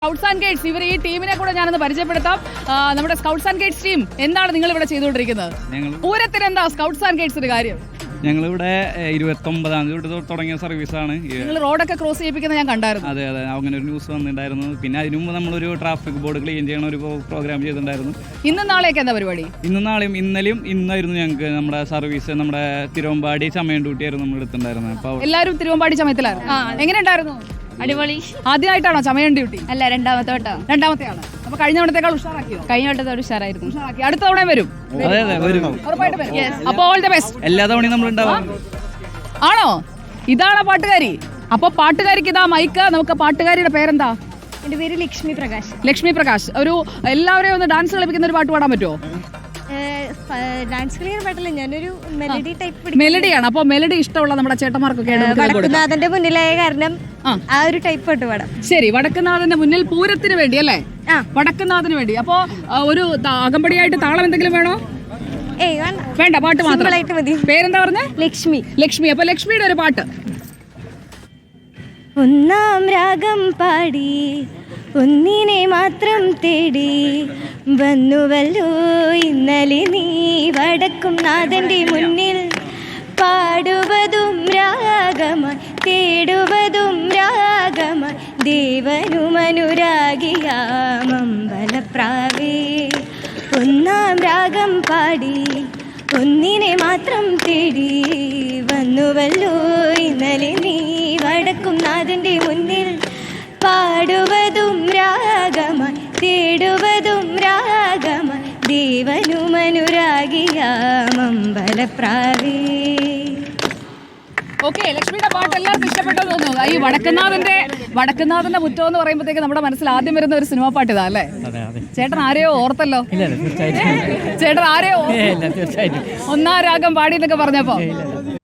Scouts and guides ഇവർ ഈ ടീമിനെ കൂടെ ഞാനൊന്ന് പരിചയപ്പെടുത്താം. നമ്മുടെ സ്കൗട്ട്സ് ആൻഡ് ഗൈഡ്സ് ടീം എന്താണ് നിങ്ങൾ ഇവിടെ ചെയ്തുകൊണ്ടിരിക്കുന്നത്? പൂരത്തിന് എന്താ സ്കൗട്ട്സ് ആൻഡ് ഗൈഡ്സിന്റെ കാര്യം? ഞങ്ങളിവിടെ 29-ാം തീയതി തുടങ്ങിയ സർവീസാണ്. നിങ്ങൾ റോഡൊക്കെ ക്രോസ് ചെയ്യിപ്പിക്കുന്നത് ഞാൻ കണ്ടായിരുന്നു. അതെ, അങ്ങനെ ഒരു ന്യൂസ് വന്നിട്ടുണ്ടായിരുന്നു. പിന്നെ അതിനു മുമ്പ് നമ്മളൊരു ട്രാഫിക് ബോർഡ് ക്ലീൻ ചെയ്യണ ഒരു പ്രോഗ്രാം ചെയ്തിട്ടുണ്ടായിരുന്നു. ഇന്നും നാളെയൊക്കെ എന്താ പരിപാടി? ഇന്നും നാളെയും ഇന്നലെയും ഇന്നായിരുന്നു ഞങ്ങൾക്ക് നമ്മുടെ സർവീസ്. നമ്മുടെ തിരുവമ്പാടി ചമയം ഡ്യൂട്ടിയായിരുന്നു നമ്മൾ എടുത്തിട്ടുണ്ടായിരുന്നത്. അപ്പോൾ എല്ലാവരും തിരുവമ്പാടി ചമയത്തിലായിരുന്നു. എങ്ങനെ ഉണ്ടായിരുന്നു? അടിപൊളി. ആദ്യമായിട്ടാണോ ചമയം ഡ്യൂട്ടി? അല്ല, രണ്ടാമത്തെയാണ്. അപ്പൊ കഴിഞ്ഞ തവണത്തേക്കാൾ ഉഷാറാക്കിയോ? കഴിഞ്ഞ വട്ടത്തോട് ഉഷാറായിരുന്നു. ഉഷാറാക്കി. അടുത്ത തവണ വരും. അതെ വരും. ഉറപ്പായിട്ട് വരും. അപ്പോൾ ഓൾ ദി ബെസ്റ്റ്. എല്ലാ തവണയും നമ്മളുണ്ടാവും. ആണോ? ഇതാണ് പാട്ടുകാരി. അപ്പൊ പാട്ടുകാരിക്ക് ഇതാ മൈക്ക്. നമുക്ക് പാട്ടുകാരിയുടെ പേരെന്താ? എന്റെ പേര് ലക്ഷ്മി പ്രകാശ്. ലക്ഷ്മി പ്രകാശ്. ഒരു എല്ലാവരെയും ഒന്ന് ഡാൻസ് കളിപ്പിക്കുന്ന ഒരു പാട്ട് പാടാൻ പറ്റുമോ? ഡാൻസ് ക്ലിയർ പാട്ടില്ല, ഞാനൊരു മെലഡി ടൈപ്പ്. മെലഡിയാണ്. അപ്പൊ മെലഡി ഇഷ്ടമുള്ള നമ്മുടെ ചേട്ടന്മാർക്കൊക്കെ വടക്കുന്നാഥന്റെ മുന്നിലായ കാരണം ആ ഒരു ടൈപ്പ് പാട്ട് പാടാം. ശരി, വടക്കുന്നാഥന്റെ മുന്നിൽ പൂരത്തിന് വേണ്ടി അല്ലേ? വടക്കുന്നാഥന് വേണ്ടി. അപ്പൊ ഒരു അകമ്പടിയായിട്ട് താളം എന്തെങ്കിലും വേണോ? വേണ്ട, പാട്ട് മാത്രം മതി. പേരെന്താ പറഞ്ഞ? ലക്ഷ്മി. ലക്ഷ്മി. അപ്പൊ ലക്ഷ്മിയുടെ ഒരു പാട്ട്. ഒന്നാം രാഗം പാടി ഒന്നിനെ മാത്രം തേടി വന്നുവല്ലോ ഇന്നലെ നീ വടക്കും നാഥന്റെ മുന്നിൽ. പാടുവതും രാഗമായി തേടുവതും രാഗമായി ദേവനുമനുരാഗിയാമമ്പലപ്രാവേ. ഒന്നാം രാഗം പാടി ഒന്നിനെ മാത്രം തേടി വന്നുവല്ലോ ഇന്നലെ നീ വടക്കും നാഥന്റെ മുന്നിൽ. പാടുവതും രാഗമായി തേടുവതും രാഗമായി ദേവനുമനുരാഗിയാമമ്പലപ്രാവേ. ഓക്കെ, ലക്ഷ്മിയുടെ പാട്ട് എല്ലാവർക്കും ഇഷ്ടപ്പെട്ടു തോന്നുന്നു. ഈ വടക്കുന്നാഥന്റെ മുറ്റം എന്ന് പറയുമ്പോഴത്തേക്ക് നമ്മുടെ മനസ്സിൽ ആദ്യം വരുന്ന ഒരു സിനിമാ പാട്ട് ഇതാ അല്ലേ? ചേട്ടൻ ആരെയോ ഓർത്തല്ലോ. ചേട്ടൻ ആരെയോ ഒന്നാം രാഗം പാടി എന്നൊക്കെ പറഞ്ഞപ്പോ